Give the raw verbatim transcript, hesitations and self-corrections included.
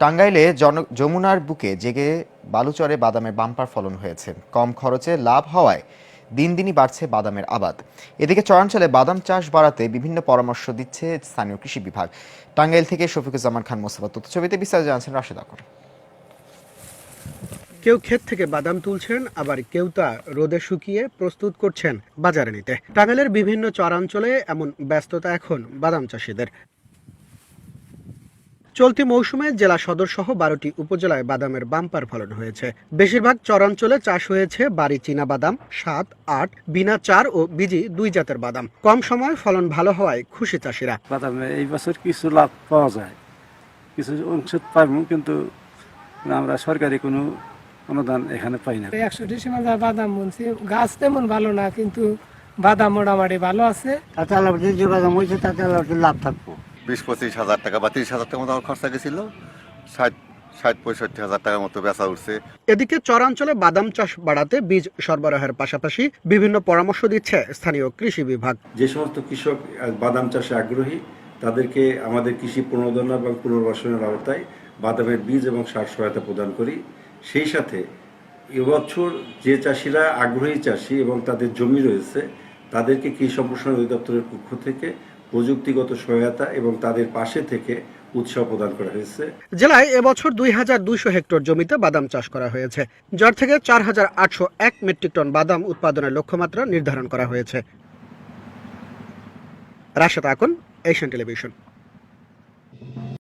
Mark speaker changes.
Speaker 1: টাঙ্গাইলে জন- যমুনার বুকে জেগে বালুচরে বাদামের বাম্পার ফলন হয়েছে। কম খরচে লাভ হওয়ায় দিন দিনই বাড়ছে বাদামের আবাদ। এদিকে চরাঞ্চলে বাদাম চাষ বাড়াতে বিভিন্ন পরামর্শ দিচ্ছে স্থানীয় কৃষি বিভাগ। টাঙ্গাইল থেকে শফিকুজ্জামান খান মোস্তফা তথ্য ছবিতে বিস্তারিত জানাচ্ছেন রাশেদ আকন।
Speaker 2: কেউ ক্ষেত থেকে বাদাম তুলছেন, আবার কেউ তা রোদে শুকিয়ে প্রস্তুত করছেন বাজারে নিতে। টাঙ্গাইলের বিভিন্ন চরাঞ্চলে এমন ব্যস্ততা এখন বাদাম চাষিদের। চলতি মৌসুমে জেলা সদর সহ বারোটি উপজেলায় বাদামের বাম্পার ফলন হয়েছে। বেশিরভাগ চরাঞ্চলে চাষ হয়েছে বাড়ি চীনা বাদাম, সাত, আট, বিনা চার ও বিজি দুই জাতের বাদাম। কম সময় ফলন ভালো হওয়ায় খুশি চাষিরা।
Speaker 3: বাদামে এই বছর কিছু লাভ পাওয়া যায়, কিছু অংশ পাবো, কিন্তু আমরা সরকারি কোনো অনুদান এখানে পাই না।
Speaker 4: একশো ডিসেম্বর বাদাম বুনছি, গাছ তেমন ভালো না, কিন্তু বাদাম মোটামুটি ভালো আছে।
Speaker 5: তাতে আল্লাহ যে বাদাম হয়েছে তাতে আল্লাহ লাভ থাকবো।
Speaker 6: বিশ পঁচিশ হাজার টাকা বা তিরিশ হাজার টাকা মতো আমার খরচা গেছিল, ষাট ষাট পঁয়ষট্টি হাজার টাকার মতো বেচা উঠছে।
Speaker 2: এদিকে চরাঞ্চলে বাদাম চাষ বাড়াতে বীজ সরবরাহের পাশাপাশি বিভিন্ন পরামর্শ দিচ্ছে স্থানীয় কৃষি বিভাগ।
Speaker 7: যে সমস্ত কৃষক বাদাম চাষে আগ্রহী তাদেরকে আমাদের কৃষি প্রণোদনা এবং পুনর্বাসনের আওতায় বাদামের বীজ এবং সার সহায়তা প্রদান করি। সেই সাথে এবছর যে চাষিরা আগ্রহী চাষি এবং তাদের জমি রয়েছে তাদেরকে কৃষি সম্প্রসারণ অধিদপ্তরের পক্ষ থেকে প্রযুক্তিগত সহায়তা এবং তাদের পাশে থেকে উৎসাহ প্রদান করা হয়েছে।
Speaker 2: জেলায় এবছর দুই হাজার দুইশো হেক্টর জমিতে বাদাম চাষ করা হয়েছে, যার থেকে চার হাজার আটশো এক মেট্রিক টন বাদাম উৎপাদনের লক্ষ্যমাত্রা নির্ধারণ করা হয়েছে। Rashed Akon, Asian television.